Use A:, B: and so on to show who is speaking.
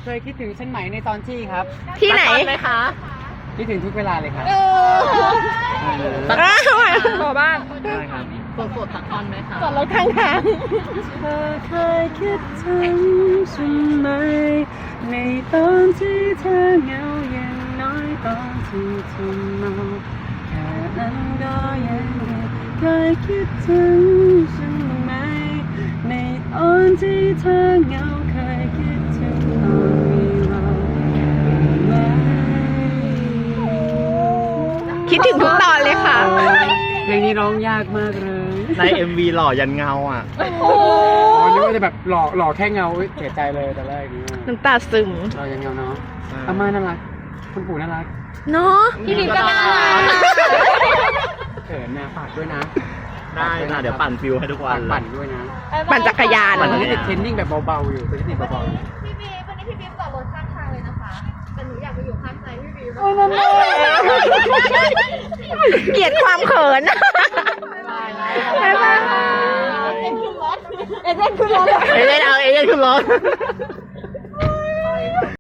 A: เคยคิดถึงฉันไหมในตอนที่ครับ
B: ที่ไหน
C: ไหมคะ
A: คิดถึงทุกเวลาเลยครับ
B: ขอบ้าง
A: ได้ครับ
C: สดๆสักท่อนไหมคะ
B: จอดรถข้างทาง
A: เธอเคยคิดถึงฉันไหมในตอนที่เธอเหงาอย่างน้อยตอนที่เธอเมาแค่นั้นก็ยังดีเคยคิดถึงฉันไหมในตอนที่เธอเหงาเคยคิดถึงตอนมีเราไหม
B: คิดถึงทุกตอนเลยค่ะ
A: เพลงนี้ร้องยากมากเลย
D: ใน MV หล่อยันเงาอ่ะ
A: อ๋อนึกว่าจะแบบหล่อแค่เงาเอ้ยเสียใจเลยแต่แรกนี้
B: น้ำตาซึม
A: หล่อยังเงาเนาะอาม่าน่ารักคุณปู่น่ารัก
B: เนาะ
C: พี่พิมก็น่ารัก
A: เขินนะฝากด้วยนะ
D: ได้นะเดี๋ยวปั่นฟิวให้ทุกวัน
A: ปั่นด้วยนะ
B: ปั่นจักรยาน
A: ตอนนี้ติดเทรนนิ่งแบบเบาๆอยู่ตอนนี้ติดเบาๆอยู่
E: พี่บีวันนี้พี่บีจอดรถข้างทางเลยนะคะ แต่หนูอยากไปอยู่ข้างใจพี่บี
A: โอ้ยนั่นเลย
B: เกลียดความเขิน บ๊ายบาย
E: เอ็นขึ้นรถ
B: เอเจนต์ขึ้นรถ
D: เอเย่นเอาเอเย่นขึ้นรถ